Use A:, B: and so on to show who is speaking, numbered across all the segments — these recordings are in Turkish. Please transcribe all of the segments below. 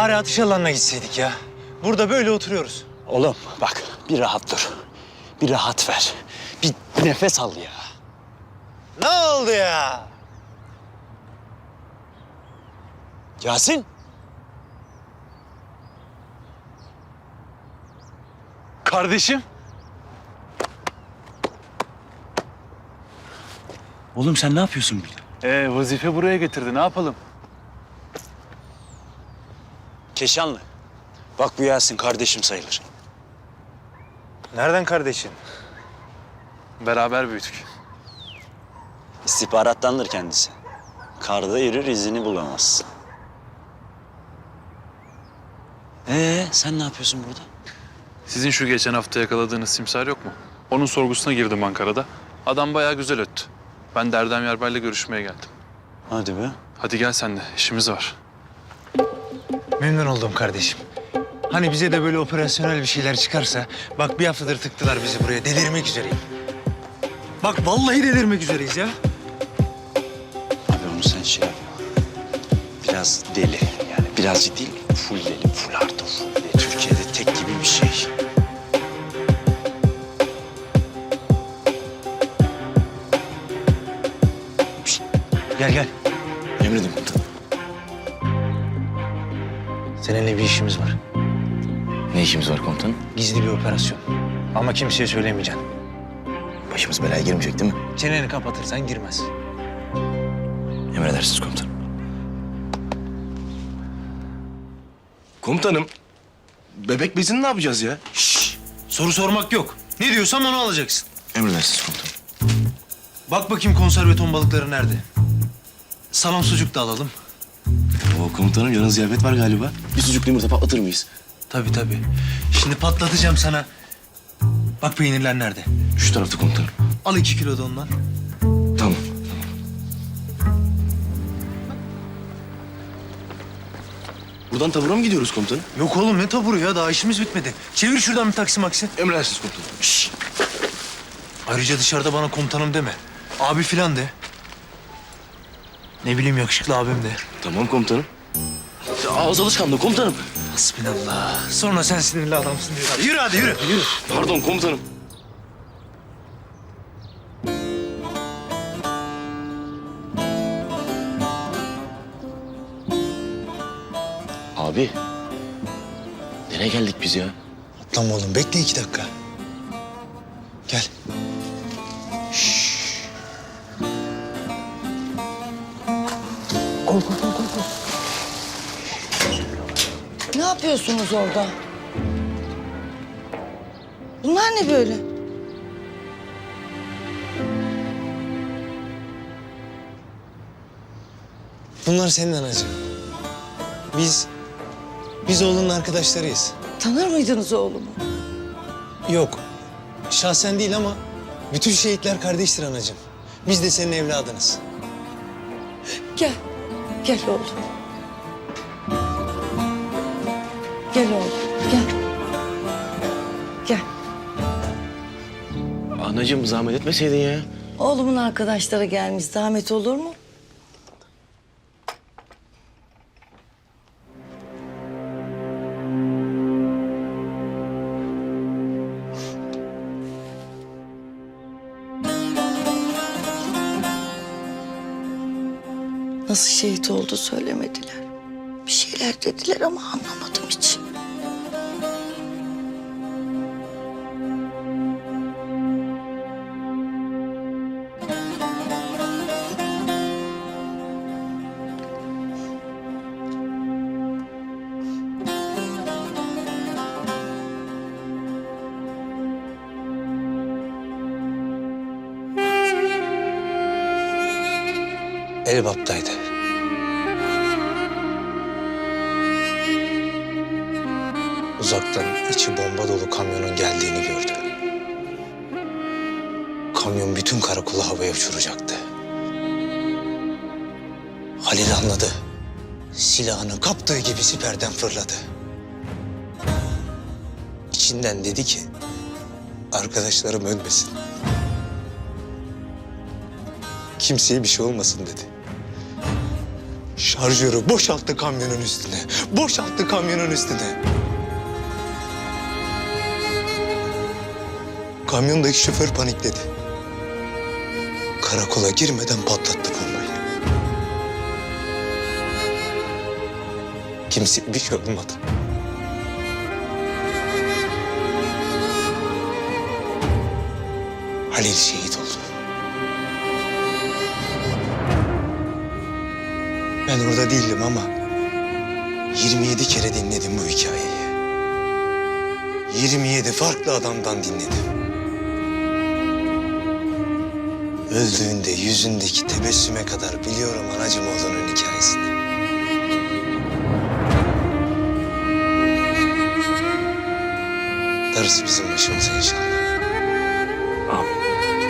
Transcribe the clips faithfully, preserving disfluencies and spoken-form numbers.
A: Bari atış alanına gitseydik ya. Burada böyle oturuyoruz.
B: Oğlum bak bir rahat dur. Bir rahat ver. Bir nefes al ya.
A: Ne oldu ya?
B: Yasin.
A: Kardeşim.
B: Oğlum sen ne yapıyorsun burada?
A: Ee, vazife buraya getirdi. Ne yapalım?
B: Keşanlı. Bak bu Yasin kardeşim sayılır.
A: Nereden kardeşin? Beraber büyüdük.
B: İstihbarattandır kendisi. Karda yürür izini bulamaz. Ee sen ne yapıyorsun burada?
C: Sizin şu geçen hafta yakaladığınız simsar yok mu? Onun sorgusuna girdim Ankara'da. Adam bayağı güzel öttü. Ben de Erdem Yarbay'la görüşmeye geldim.
B: Hadi be.
C: Hadi gel sen de, işimiz var.
A: Memnun oldum kardeşim. Hani bize de böyle operasyonel bir şeyler çıkarsa... Bak bir haftadır tıktılar bizi buraya. Delirmek üzereyim. Bak vallahi delirmek üzereyiz ya.
B: Abi onu sen şey yap. Biraz deli yani birazcık değil full deli, full artı full deli. Türkiye'de tek gibi bir şey.
A: Gel gel.
B: Emredin komutanım.
A: Seninle bir işimiz var.
B: Ne işimiz var komutanım?
A: Gizli bir operasyon. Ama kimseye söylemeyeceksin.
B: Başımız belaya girmeyecek değil mi?
A: Çeneni kapatırsan girmez.
B: Emredersiniz komutanım.
D: Komutanım, bebek bezini ne yapacağız ya?
A: Şşş! Soru sormak yok. Ne diyorsam onu alacaksın.
D: Emredersiniz komutanım.
A: Bak bakayım konserve ton balıkları nerede? Salam sucuk da alalım.
D: Oo komutanım, yarın ziyafet var galiba. Bir sucuklu yumurta patlatır mıyız?
A: Tabii tabii. Şimdi patlatacağım sana. Bak peynirler nerede?
D: Şu tarafta komutanım.
A: Al iki kilo da ondan.
D: Tamam. Buradan tabura mı gidiyoruz komutanım?
A: Yok oğlum ne taburu ya? Daha işimiz bitmedi. Çevir şuradan bir taksi maksi.
D: Emredersiniz komutanım.
A: Şşş! Ayrıca dışarıda bana komutanım deme. Abi filan de. Ne bileyim yakışıklı abim de.
D: Tamam komutanım. Ağız alışkanlığı komutanım.
A: Hasbinallah. Sonra sen sinirli adamsın diyorlar. Yürü hadi yürü. Yürü.
D: Pardon komutanım. Abi, nereye geldik biz ya?
A: Atlama oğlum bekle iki dakika. Gel. Gol gol gol gol. gol.
E: Ne yapıyorsunuz orada? Bunlar ne böyle?
A: Bunlar senin anacığım. Biz, biz oğlunun arkadaşlarıyız.
E: Tanır mıydınız oğlumu?
A: Yok, şahsen değil ama bütün şehitler kardeştir anacığım. Biz de senin evladınız.
E: Gel, gel oğlum. Gel oğlum, gel. Gel.
D: Anacığım zahmet etmeseydin ya.
E: Oğlumun arkadaşları gelmiş, zahmet olur mu? Nasıl şehit oldu söylemediler. Bir şeyler dediler ama anlamadım hiç.
A: Elbap'taydı. Uzaktan içi bomba dolu kamyonun geldiğini gördü. Kamyon bütün karakolu havaya uçuracaktı. Halil anladı. Silahını kaptığı gibi siperden fırladı. İçinden dedi ki, arkadaşlarım ölmesin. Kimseye bir şey olmasın dedi. Şarjörü boşalttı kamyonun üstüne. Boşalttı kamyonun üstüne. Kamyondaki şoför panikledi. Karakola girmeden patlattı bombayı. Kimse bir şey olmadı. Halil şehit oldu. Ben orada değildim ama yirmi yedi kere dinledim bu hikayeyi. yirmi yedi farklı adamdan dinledim. Öldüğünde yüzündeki tebessüme kadar biliyorum anacığım oğlunun hikayesini. Darısı bizim başımıza inşallah.
D: Amin.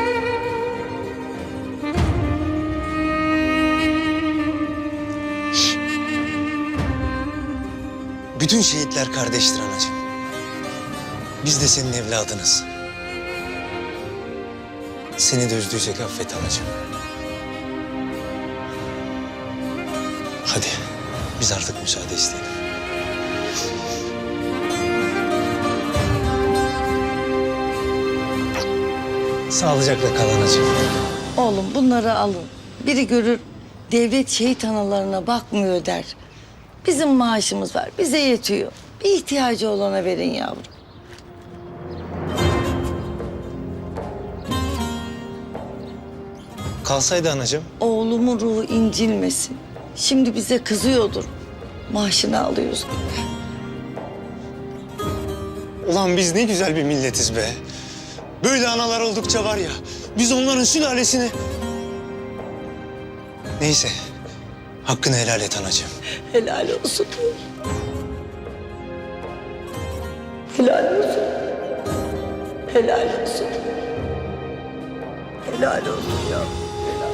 A: Bütün şehitler kardeştir anacığım. Biz de senin evladınız. Seni de üzdüysek affet anacığım. Hadi biz artık müsaade isteyelim. Sağlıcakla kal anacığım.
E: Oğlum bunları alın. Biri görür devlet şehit analarına bakmıyor der. Bizim maaşımız var, bize yetiyor. Bir ihtiyacı olana verin yavrum.
A: Kalsaydı anacığım.
E: Oğlumun ruhu incilmesin. Şimdi bize kızıyordur. Maaşını alıyoruz.
A: Ulan biz ne güzel bir milletiz be. Böyle analar oldukça var ya, biz onların sülalesini... Neyse, hakkını helal et anacığım.
E: Helal olsun. Helal olsun. Helal olsun. Helal olsun ya. Helal.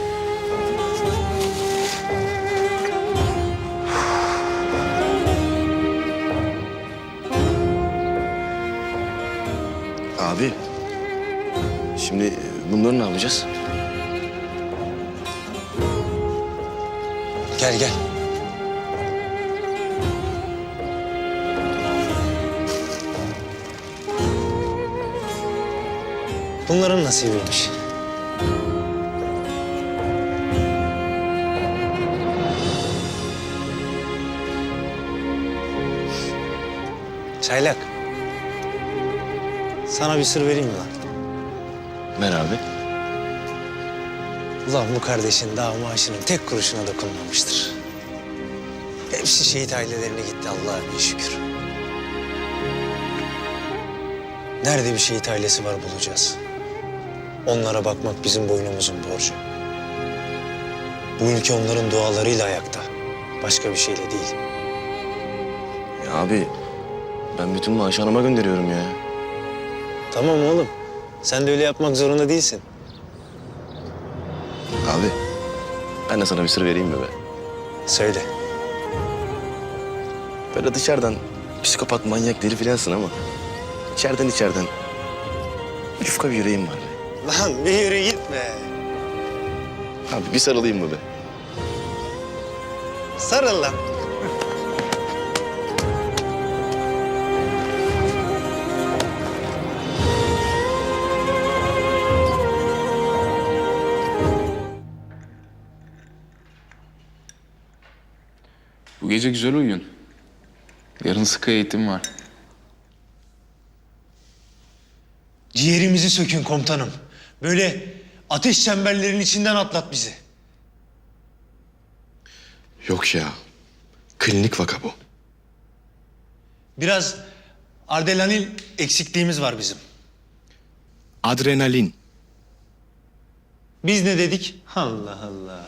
D: Abi. Şimdi bunları ne yapacağız?
A: Gel gel. Bunların nasibiymiş. Çaylak. Sana bir sır vereyim mi lan?
D: Ver abi.
A: Ulan bu kardeşin daha maaşının tek kuruşuna dokunmamıştır. Hepsi şehit ailelerine gitti Allah'a bin şükür. Nerede bir şehit ailesi var bulacağız. Onlara bakmak bizim boynumuzun borcu. Bu ülke onların dualarıyla ayakta. Başka bir şeyle değil.
D: Ya abi ben bütün maaşı anama gönderiyorum ya.
A: Tamam oğlum. Sen de öyle yapmak zorunda değilsin.
D: Abi ben de sana bir sır vereyim mi be?
A: Söyle.
D: Böyle dışarıdan psikopat, manyak, deli filansın ama içeriden içeriden yufka bir yüreğim var be.
A: Lan bir yürü gitme.
D: Abi bir sarılayım mı be?
A: Sarıl lan.
F: Bu gece güzel uyuyun. Yarın sıkı eğitim var.
A: Ciğerimizi sökün komutanım. Böyle ateş çemberlerinin içinden atlat bizi.
D: Yok ya. Klinik vaka bu.
A: Biraz adrenalin eksikliğimiz var bizim.
D: Adrenalin.
A: Biz ne dedik? Allah Allah.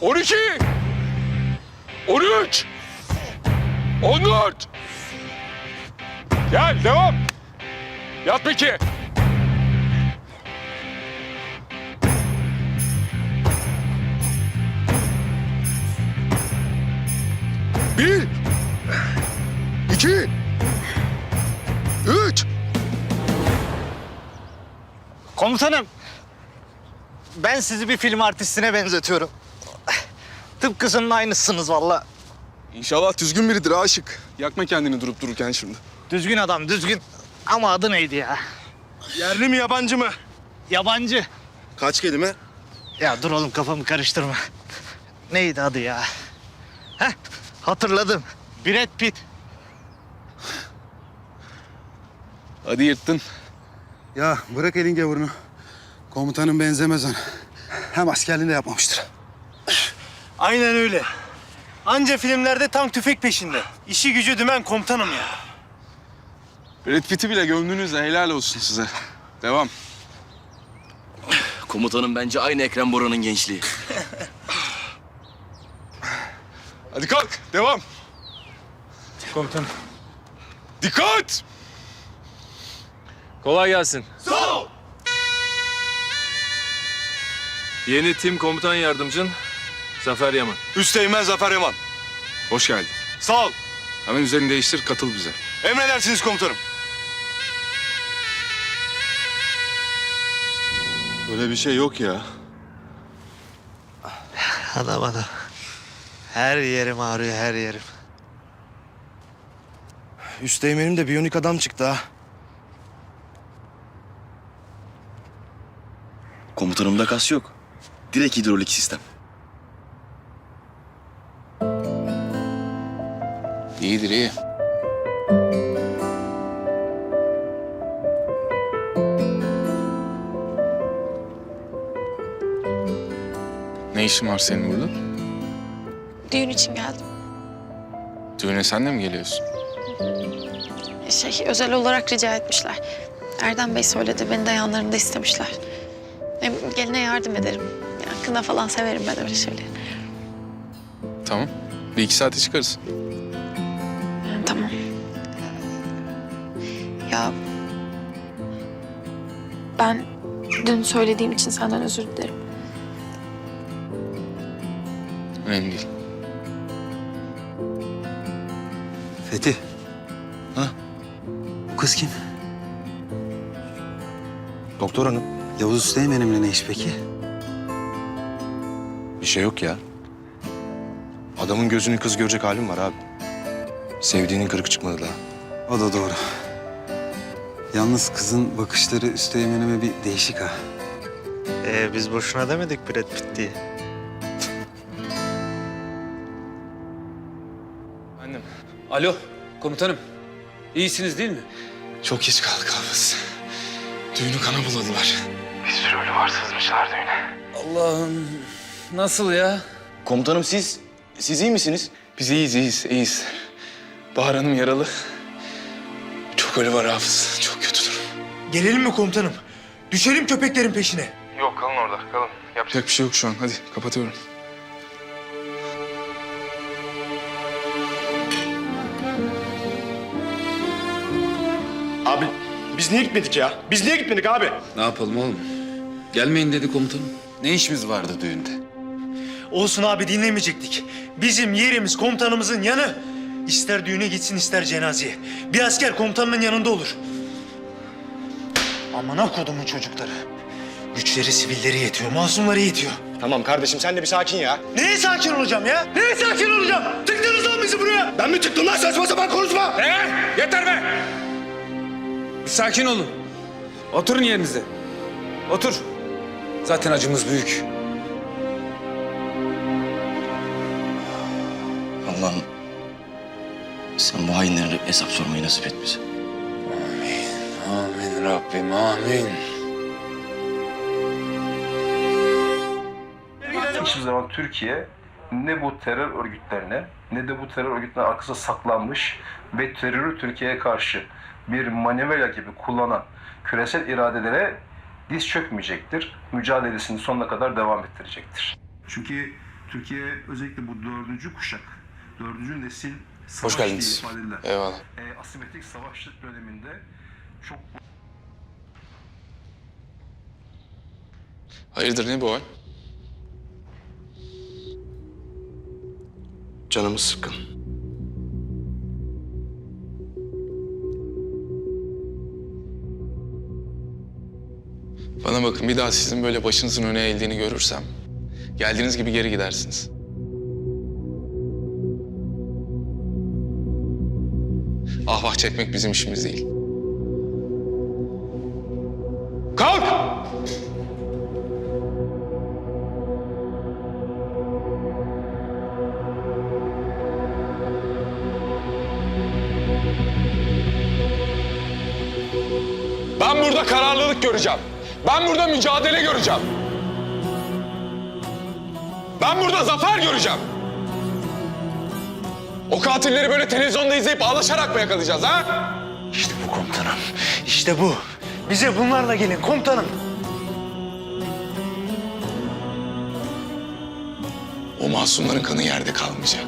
G: on iki, on üç, on dört. Gel, devam. Yat peki. Bir, iki, üç.
H: Komutanım, ben sizi bir film artistine benzetiyorum. Tıpkısının aynısınız valla.
G: İnşallah düzgün biridir aşık. Yakma kendini durup dururken şimdi.
H: Düzgün adam, düzgün. Ama adı neydi ya?
D: Yerli mi yabancı mı?
H: Yabancı.
D: Kaç kelime?
H: Ya dur oğlum kafamı karıştırma. Neydi adı ya? Heh, hatırladım. Brad Pitt.
G: Hadi yırttın.
I: Ya bırak elin gavurunu. Komutanın benzemez ona. Hem askerliğini de yapmamıştır.
A: Aynen öyle. Anca filmlerde tank tüfek peşinde. İşi gücü dümen komutanım ya.
G: Brad Pitt'i bile gömdünüz de helal olsun size. Devam.
D: Komutanım bence aynı Ekrem Bora'nın gençliği.
G: Hadi kalk, devam.
A: Komutanım.
G: Dikkat!
J: Kolay gelsin. Sağ ol. Yeni tim komutan yardımcın Zafer Yaman.
G: Üsteğmen Zafer Yaman. Hoş geldin.
I: Sağ ol.
G: Hemen üzerini değiştir, katıl bize.
I: Emredersiniz komutanım.
G: Öyle bir şey yok ya.
H: Adam adam. Her yerim ağrıyor, her yerim.
D: Üsteğmenim de biyonik adam çıktı ha. Komutanımda kas yok. Direkt hidrolik sistem.
F: İyidir iyi. Ne işin var senin burada?
K: Düğün için geldim.
F: Düğüne sen de mi geliyorsun?
K: Şey, özel olarak rica etmişler. Erdem Bey söyledi, beni de yanlarında istemişler. Hem geline yardım ederim. Yani kına falan severim ben öyle şeyleri.
F: Tamam. Bir iki saate çıkarız.
K: Yani tamam. Ya ben dün söylediğim için senden özür dilerim.
F: Önemli değil.
A: Fethi.
D: Ha?
A: Bu kız kim?
D: Doktor hanım.
A: Yavuz Üsteğmen'imle ne iş peki?
D: Bir şey yok ya. Adamın gözünü kız görecek halim var abi. Sevdiğinin kırık çıkmadı daha.
I: O da doğru. Yalnız kızın bakışları Üsteğmen'ime bir değişik ha.
H: Ee, biz boşuna demedik Brad Pitt diye.
J: Annem. Alo komutanım. İyisiniz değil mi?
F: Çok geç kaldık Hafız. Düğünü kana buladılar.
J: Allah'ım. Nasıl ya?
D: Komutanım siz, siz iyi misiniz?
F: Biz iyiyiz, iyiyiz, iyiyiz. Bahar Hanım yaralı. Çok ölü var Hafız. Çok kötü durum.
A: Gelelim mi komutanım? Düşelim köpeklerin peşine.
F: Yapacak bir şey yok şu an. Hadi kapatıyorum.
D: Abi biz niye gitmedik ya? Biz niye gitmedik abi?
J: Ne yapalım oğlum? Gelmeyin dedi komutanım. Ne işimiz vardı düğünde?
A: Olsun abi dinlemeyecektik. Bizim yerimiz komutanımızın yanı. İster düğüne gitsin ister cenazeye. Bir asker komutanının yanında olur. Amına kodumun çocukları. Güçleri sivilleri yetiyor, masumları yetiyor.
D: Tamam kardeşim sen de bir sakin ya.
A: Neye sakin olacağım ya? Neye sakin olacağım? Tıktınız lan bizi buraya.
D: Ben mi tıktım lan saçma sapan konuşma?
J: Ee, yeter be! Bir sakin olun. Oturun yerinize. Otur. Zaten acımız büyük.
D: Allah'ım sen bu hainlere hesap sormayı nasip et bize.
J: Amin Rabbim, amin.
L: Hiçbir zaman Türkiye ne bu terör örgütlerine ne de bu terör örgütlerinin arkasında saklanmış ve terörü Türkiye'ye karşı bir manivela gibi kullanan küresel iradelere diz çökmeyecektir. Mücadelesini sonuna kadar devam ettirecektir. Çünkü Türkiye özellikle bu dördüncü kuşak, dördüncü nesil savaş
G: Hoş geldiniz.
L: diye ifade edilen,
G: Eyvallah.
L: e, asimetrik savaşlık döneminde çok
G: Hayırdır ne bu hal?
D: Canımız sıkkın.
G: Bana bakın bir daha sizin böyle başınızın öne eğildiğini görürsem geldiğiniz gibi geri gidersiniz. Ah vah çekmek bizim işimiz değil. Kalk! Ben burada kararlılık göreceğim. Ben burada mücadele göreceğim. Ben burada zafer göreceğim. O katilleri böyle televizyonda izleyip ağlaşarak mı yakalayacağız ha?
A: İşte bu komutanım. İşte bu. Bize bunlarla gelin komutanım.
G: O masumların kanı yerde kalmayacak.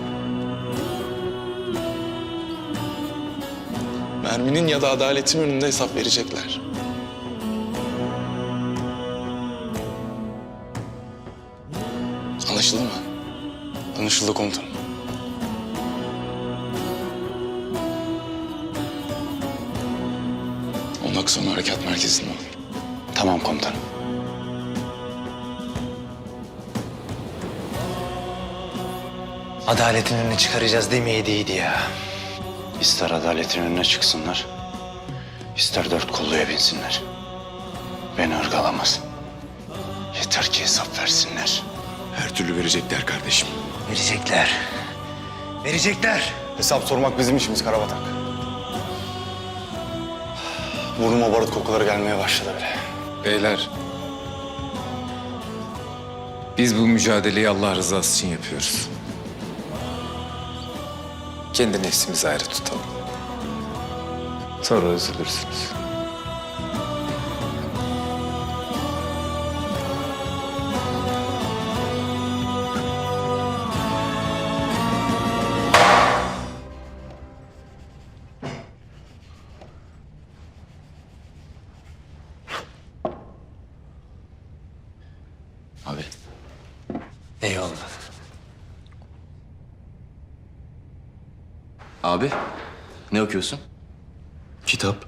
G: Merminin ya da adaletin önünde hesap verecekler. Anlaşıldı mı? Anlaşıldı komutanım. Ondan sonra harekat merkezinde ol.
B: Tamam komutanım.
A: Adaletin önüne çıkaracağız demeyeydi ya.
B: İster adaletin önüne çıksınlar, ister dört kolluya binsinler. Beni ırgalamaz. Yeter ki hesap versinler.
D: Her türlü verecekler kardeşim.
A: Verecekler. Verecekler.
I: Hesap sormak bizim işimiz Karabatak. Burnuma barut kokuları gelmeye başladı bile.
J: Beyler. Biz bu mücadeleyi Allah rızası için yapıyoruz. Kendi nefsimizi ayrı tutalım. Sonra üzülürsünüz.
B: Abi.
A: Eyvallah.
D: Abi, ne okuyorsun? Kitap.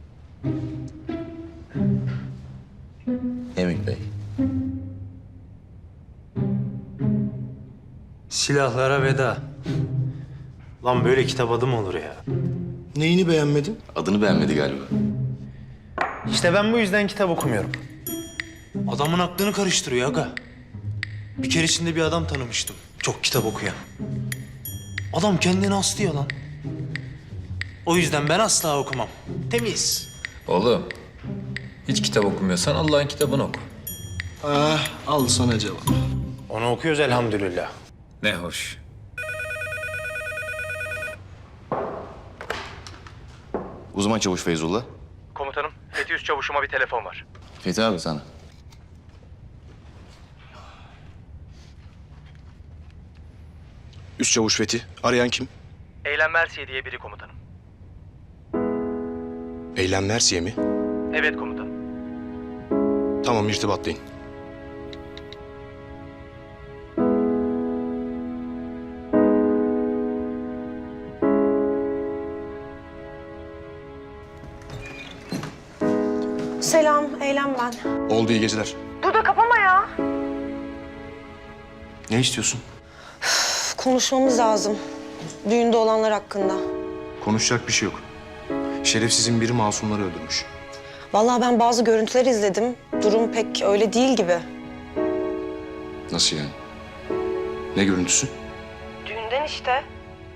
D: Emin Bey.
A: Silahlara veda. Lan böyle kitap adı mı olur ya?
D: Neyini beğenmedin? Adını beğenmedi galiba.
A: İşte ben bu yüzden kitap okumuyorum. Adamın aklını karıştırıyor aga. Bir keresinde bir adam tanımıştım. Çok kitap okuyan. Adam kendini aslıyor lan. O yüzden ben asla okumam. Temiz.
J: Oğlum, hiç kitap okumuyorsan Allah'ın kitabını oku.
D: Ah, al sana cevap.
A: Onu okuyoruz elhamdülillah.
J: Ne hoş.
D: Uzman çavuş Feyzullah.
A: Komutanım, Fethi Üst Çavuş'uma bir telefon var.
D: Fethi abi sana. Üst çavuş Fethi. Arayan kim?
A: Eylem Mersiye diye biri komutanım.
D: Eylem Mersiye mi?
A: Evet komutanım.
D: Tamam, irtibatlayın.
M: Selam, Eylem ben.
D: Oldu, iyi geceler.
M: Dur da kapama ya.
D: Ne istiyorsun?
M: Üf, konuşmamız lazım. Düğünde olanlar hakkında.
D: Konuşacak bir şey yok. Şerefsizin biri masumları öldürmüş.
M: Vallahi ben bazı görüntüler izledim. Durum pek öyle değil gibi.
D: Nasıl yani? Ne görüntüsü?
M: Düğünden işte.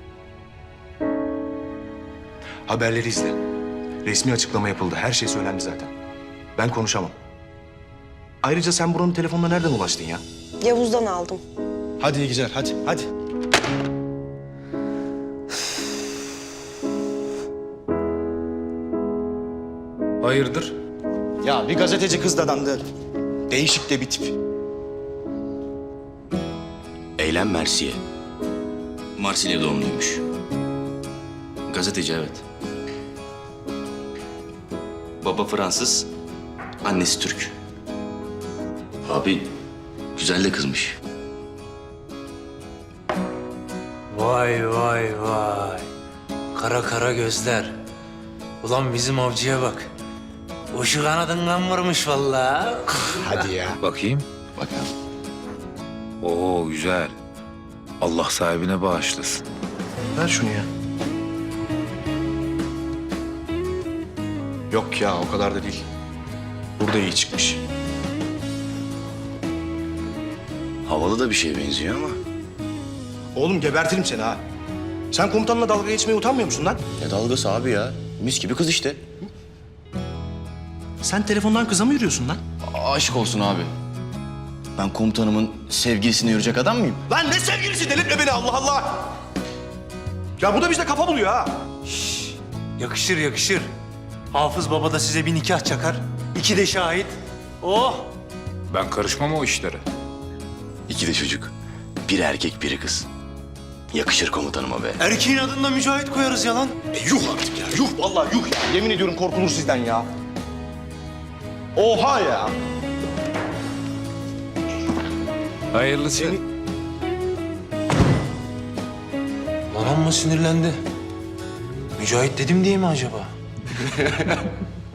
D: Haberleri izle. Resmi açıklama yapıldı. Her şey söylendi zaten. Ben konuşamam. Ayrıca sen buranın telefonuna nereden ulaştın ya?
M: Yavuz'dan aldım.
D: Hadi iyi geceler, hadi, hadi.
J: Hayırdır?
D: Ya bir gazeteci kız dadandı. Değişik de bir tip. Eylem
B: Helen Mercier. Marsilya doğumluymuş. Gazeteci, evet. Baba Fransız, annesi Türk. Abi güzel de kızmış.
A: Vay vay vay. Kara kara gözler. Ulan bizim avcıya bak. Uçu kanadından vurmuş vallahi.
D: Hadi ya.
J: Bakayım.
B: Bakalım.
J: Oo güzel. Allah sahibine bağışlasın.
D: Ver şunu ya. Yok ya, o kadar da değil. Burada iyi çıkmış.
B: Havalı da bir şeye benziyor ama.
D: Oğlum gebertirim seni ha. Sen komutanla dalga geçmeye utanmıyor musun lan?
B: Ne dalgası abi ya? Mis gibi kız işte.
D: Sen telefondan kıza mı yürüyorsun lan?
B: Aşk olsun abi. Ben komutanımın sevgilisine yürüyecek adam mıyım?
D: Lan ne sevgilisi, delirtme beni Allah Allah! Ya bu da bizde kafa buluyor ha.
A: Yakışır yakışır. Hafız baba da size bir nikah çakar. İki de şahit. Oh!
J: Ben karışmam o işlere.
B: İki de çocuk. Biri erkek, biri kız. Yakışır komutanıma be.
A: Erkeğin adında Mücahit koyarız ya lan.
D: E, yuh artık ya, yuh vallahi yuh ya. Yemin ediyorum korkulur sizden ya. Oha ya.
J: Hayırlısı.
A: Lan amma sinirlendi. Mücahit dedim diye mi acaba?